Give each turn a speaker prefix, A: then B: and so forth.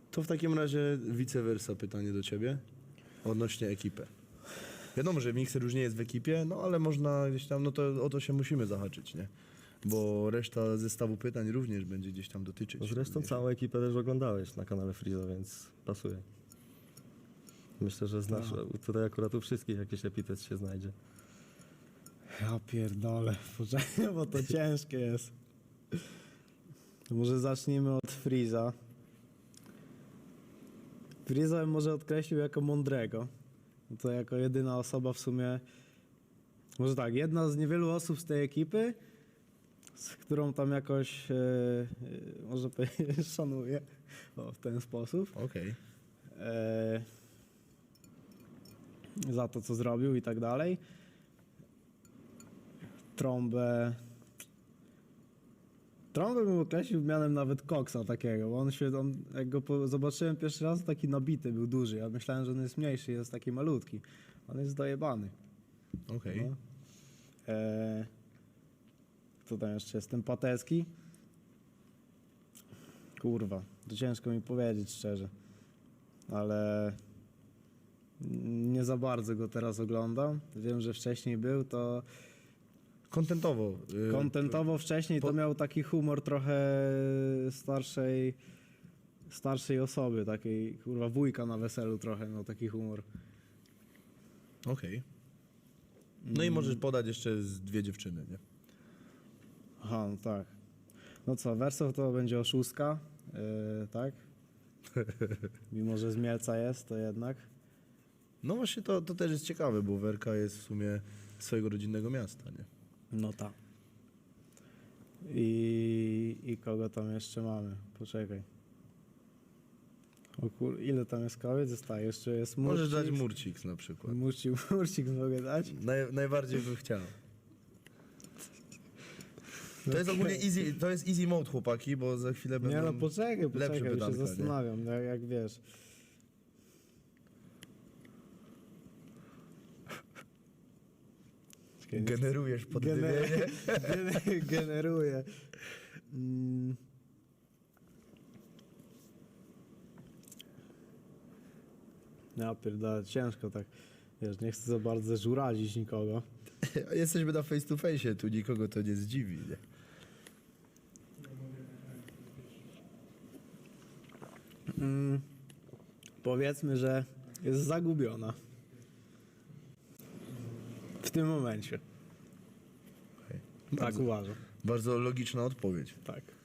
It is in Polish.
A: To w takim razie vice versa pytanie do ciebie odnośnie ekipy. Wiadomo, że mikser już nie jest w ekipie, no ale można gdzieś tam, no to o to się musimy zahaczyć, nie? Bo reszta zestawu pytań również będzie gdzieś tam dotyczyć.
B: Zresztą
A: również.
B: całą ekipę też oglądałeś na kanale Freeza, więc pasuje. Myślę, że znasz, tutaj akurat u wszystkich jakiś epitet się znajdzie.
C: Ja pierdolę, poczekaj, bo to ciężkie jest. To może zacznijmy od Freeza. Freeza bym może odkreślił jako mądrego. To jako jedyna osoba w sumie, może tak, jedna z niewielu osób z tej ekipy, z którą tam jakoś, może powiedzieć, szanuję, o, w ten sposób.
A: Okej.
C: Za to, co zrobił i tak dalej. Trąbę bym określił mianem nawet koksa takiego, bo on jak go zobaczyłem pierwszy raz, taki nabity był duży. Ja myślałem, że on jest mniejszy, jest taki malutki. On jest dojebany.
A: Okej.
C: No. Kto tam jeszcze jest? Ten Patecki? Kurwa, to ciężko mi powiedzieć szczerze. Ale nie za bardzo go teraz oglądam. Wiem, że wcześniej był, to
A: Kontentowo.
C: kontentowo wcześniej to miał taki humor trochę starszej osoby, takiej kurwa wujka na weselu trochę miał taki humor.
A: Okej. No i możesz podać jeszcze z 2 dziewczyny, nie?
C: Aha, no tak. No co, Wersow to będzie oszustka, tak? Mimo, że z Mielca jest, to jednak.
A: No właśnie to też jest ciekawe, bo Werka jest w sumie z swojego rodzinnego miasta, nie?
C: No tak. I kogo tam jeszcze mamy? Poczekaj. O kur... Ile tam jest kobiet? Zostaje. Jeszcze jest Murcik.
A: Możesz dać Murcik na przykład.
C: Murcik mogę dać?
A: Najbardziej bym chciał. To jest ogólnie easy, to jest easy mode, chłopaki, bo za chwilę będą
C: Nie no, poczekaj,
A: lepsze
C: już się
A: pytanka, nie?
C: zastanawiam, jak wiesz.
A: Generujesz poddymienie.
C: Generuję. Ja pierdolę, ciężko tak. Wiesz, nie chcę za bardzo żurazić nikogo.
A: Jesteśmy na face to face, tu nikogo to nie zdziwi, nie?
C: Powiedzmy, że jest zagubiona. W tym momencie.
A: Okay.
C: Tak uważam.
A: Bardzo logiczna odpowiedź.
C: Tak.